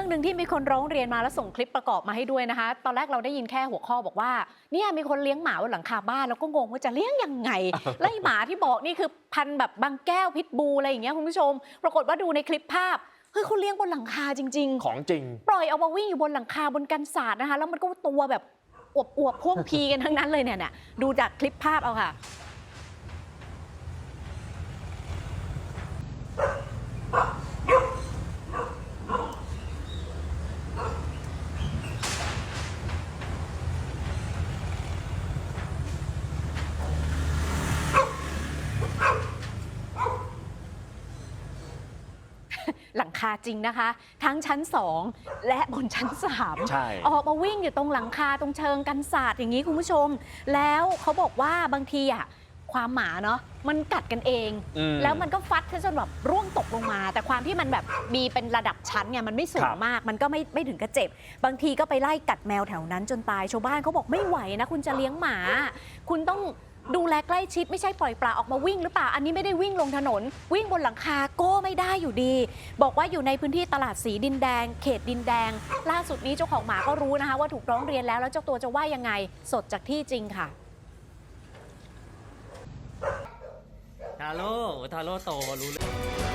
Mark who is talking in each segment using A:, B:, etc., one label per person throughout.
A: หนึ่งที่มีคนร้องเรียนมาแล้วส่งคลิปประกอบมาให้ด้วยนะคะตอนแรกเราได้ยินแค่หัวข้อบอกว่าเนี่ยมีคนเลี้ยงหมาบนหลังคาบ้านแล้วก็งงว่าจะเลี้ยงยังไง ไล่หมาที่บอกนี่คือพันธุ์แบบบางแก้วพิษบูอะไรอย่างเงี้ยคุณผู้ชมปรากฏว่าดูในคลิปภาพเฮ้ยเขาเลี้ยงบนหลังคาจริงๆ
B: ของจริง
A: ปล่อยเอามาวิ่งอยู่บนหลังคาบนกันศาสตร์นะคะแล้วมันก็ตัวแบบอวบพ่วงพีกันทั้งนั้นเลยเนี่ยดูจากคลิปภาพเอาค่ะหลังคาจริงนะคะทั้งชั้น2และบนชั้น3
B: ใช่
A: ออกมาวิ่งอยู่ตรงหลังคาตรงเชิงกันศาสตร์อย่างนี้คุณผู้ชมแล้วเขาบอกว่าบางทีอ่ะความหมาเนาะมันกัดกันเองแล้วมันก็ฟัดจนแบบร่วงตกลงมาแต่ความที่มันแบบมีเป็นระดับชั้นเนี่ยมันไม่สูงมากมันก็ไม่ถึงกระเจ็บบางทีก็ไปไล่กัดแมวแถวนั้นจนตายชาวบ้านเขาบอกไม่ไหวนะคุณจะเลี้ยงหมาคุณต้องดูแลใกล้ชิดไม่ใช่ปล่อยปลาออกมาวิ่งหรือเปล่าอันนี้ไม่ได้วิ่งลงถนนวิ่งบนหลังคาก็ไม่ได้อยู่ดีบอกว่าอยู่ในพื้นที่ตลาดสีดินแดงเขตดินแดงล่าสุดนี้เจ้าของหมาก็รู้นะคะว่าถูกร้องเรียนแล้วเจ้าตัวจะว่ายังไงสดจากที่จริงค่ะ
C: ทาโร่โตรู้เลย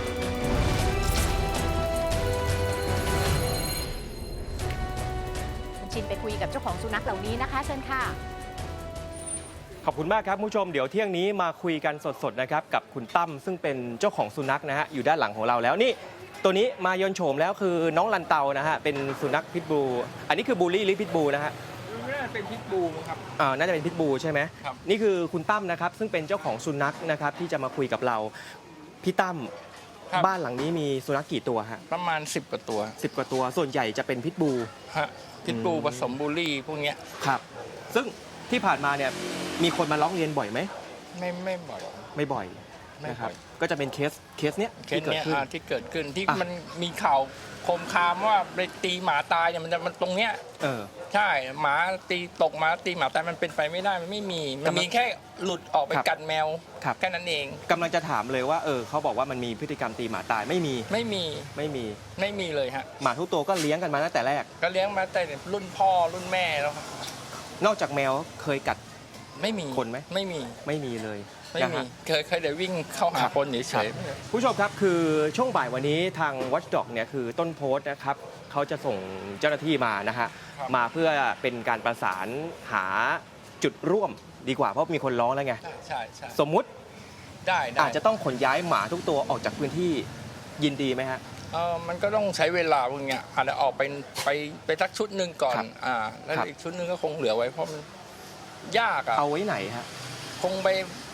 A: คุณชินไปคุยกับเจ้าของสุนัขเหล่านี้นะคะเชิญค่ะ
B: ขอบคุณมากครับคุณผู้ชมเดี๋ยวเที่ยงนี้มาคุยกันสดๆนะครับกับคุณตั้มซึ่งเป็นเจ้าของสุนัขนะฮะอยู่ด้านหลังของเราแล้วนี่ตัวนี้มายนโฉมแล้วคือน้องลันเตานะฮะเป็นสุนัขพิทบูอันนี้คือบูลลี่หรือพิทบูนะฮะ
D: น่าจะเป็นพิทบูครับ
B: น่าจะเป็นพิทบูใช่ไหม
D: ครับ
B: นี่คือคุณตั้มนะครับซึ่งเป็นเจ้าของสุนัขนะครับที่จะมาคุยกับเราพี่ตั้มบ้านหลังนี้มีสุนัขกี่ตัวฮะ
D: ประมาณ10 กว่าตัว
B: 10 กว่าตัวส่วนใหญ่จะเป็นพิทบู
D: ฮะพิทบูผสมบูลลี่พวกเนี้ย
B: ครับซึ่งที่ผ่านมาเนี่ยมีคนมาร้องเรียนบ่อยไหม
D: ไม่บ่อย
B: ไม่บ่อยนะครับก็จะเป็นเคสเนี้ย
D: ที่เกิดขึ้นที่มันมีข่าวโคมคามว่าไปตีหมาตายเนี่ยมันตรงเนี้ยใช่หมาตีตกหมาตีหมาตายมันเป็นไปไม่ได้มันไม่มีมันมีแค่หลุดออกไปกัดแมวแค่นั้นเอง
B: กำลังจะถามเลยว่าเขาบอกว่ามันมีพฤติกรรมตีหมาตายไม่มี
D: เลยฮะ
B: หมาทุกตัวก็เลี้ยงกันมาตั้งแต่แรก
D: ก็เลี้ยงมาแต่รุ่นพ่อรุ่นแม่แล้วครับ
B: นอกจากแมวเคยกัด
D: ไม่มี
B: คนไหม
D: ไม่มี
B: เลย
D: ไม่มีเคยเดี๋ยววิ่งเข้าหาคนเฉย
B: ๆผู้ชมครับคือช่วงบ่ายวันนี้ทาง Watchdog เนี่ยคือต้นโพสต์นะครับเขาจะส่งเจ้าหน้าที่มานะฮะมาเพื่อเป็นการประสานหาจุดร่วมดีกว่าเพราะมีคนร้องแล้วไง
D: ใช่
B: สมมุติ
D: ได้
B: อาจจะต้องขนย้ายหมาทุกตัวออกจากพื้นที่ยินดีไหมฮะ
D: มันก็ต้องใช้เวลาพวกเนี้ยอาจจะออกไปสักชุดหนึ่งก่อนแล้วอีกชุดหนึ่งก็คงเหลือไว้เพราะมันยาก
B: เอาไว้ไหนฮะ
D: คงไป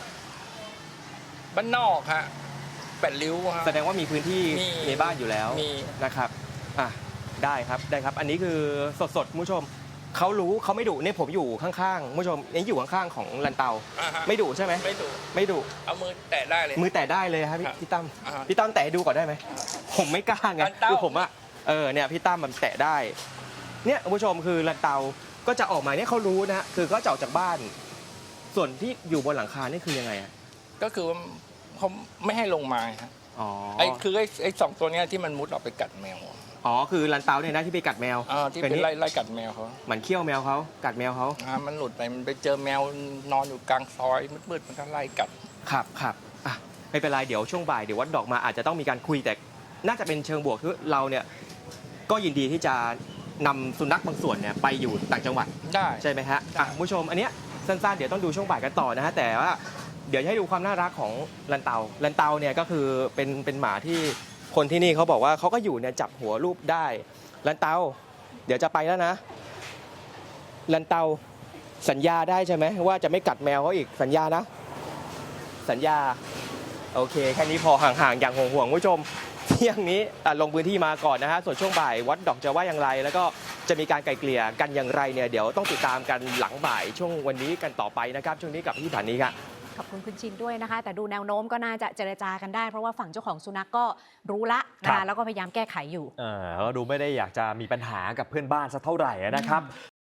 D: บ้านนอกฮะ8 ริ้วฮะ
B: แสดงว่ามีพื้นที่ในบ้านอยู่แล้วนะครับได้ครับอันนี้คือสดคุณผู้ชมเขารู้เขาไม่ดุเนี่ยผมอยู่ข้างๆคุณผู้ชมนี่อยู่ข้างๆของลันเตาไม่ดุใช่ไหมไม่ดุ
D: เอามือแตะได้เลย
B: มือแตะได้เลยครับพี่ตั้มแตะดูก่อนได้ไหมผมไม่กล้าไงคือผมเนี่ยพี่ตั้มมันแตะได้เนี่ยคุณผู้ชมคือลันเตาก็จะออกมาเนี่ยเขารู้นะคือก็จะออกจากบ้านส่วนที่อยู่บนหลังคานี่คือยังไง
D: ก็คือว่าเขาไม่ให้ลงมาฮะคือไอ้2 ตัวนี้ที่มันมุดออกไปกัดแมว
B: คือลันเตาเนี่ยนะที่ไปกัดแมว
D: ที่ไปไล่กัดแมวเขา
B: มันเคี้ยวแมวเขากัดแมวเขา
D: มันหลุดไปมันไปเจอแมวนอนอยู่กลางซอยมืดๆมันก็ไล่กัด
B: ครับไม่เป็นไรเดี๋ยวช่วงบ่ายเดี๋ยววัดดอกมาอาจจะต้องมีการคุยแต่น่าจะเป็นเชิงบวกคือเราเนี่ยก็ยินดีที่จะนำสุนัขบางส่วนเนี่ยไปอยู่ต่างจังหวัด
D: ได้
B: ใช่ไหมฮะผู้ชมอันเนี้ยสั้นๆเดี๋ยวต้องดูช่วงบ่ายกันต่อนะฮะแต่ว่าเดี๋ยวให้ดูความน่ารักของลันเตาเนี่ยก็คือเป็นหมาที่คนที่นี่เขาบอกว่าเขาก็อยู่เนี่ยจับหัวรูปได้ลันเตาเดี๋ยวจะไปแล้วนะลันเตาสัญญาได้ใช่ไหมว่าจะไม่กัดแมวเขาอีกสัญญานะสัญญาโอเคแค่นี้พอห่างๆอย่างห่วงๆผู้ชมเที่ยงนี้ลงพื้นที่มาก่อนนะฮะส่วนช่วงบ่ายวัดดอกจะว่าอย่างไรแล้วก็จะมีการไกลเกลี่ยกันอย่างไรเนี่ยเดี๋ยวต้องติดตามกันหลังบ่ายช่วงวันนี้กันต่อไปนะครับช่วงนี้กับพี่ผ่านนี้ครับ
A: ขอบคุณคุณชินด้วยนะคะแต่ดูแนวโน้มก็น่าจะเจรจากันได้เพราะว่าฝั่งเจ้าของสุนัขก็รู้ละนะแล้วก็พยายามแก้ไขอยู่
C: ก็ดูไม่ได้อยากจะมีปัญหากับเพื่อนบ้านสักเท่าไหร่นะครับ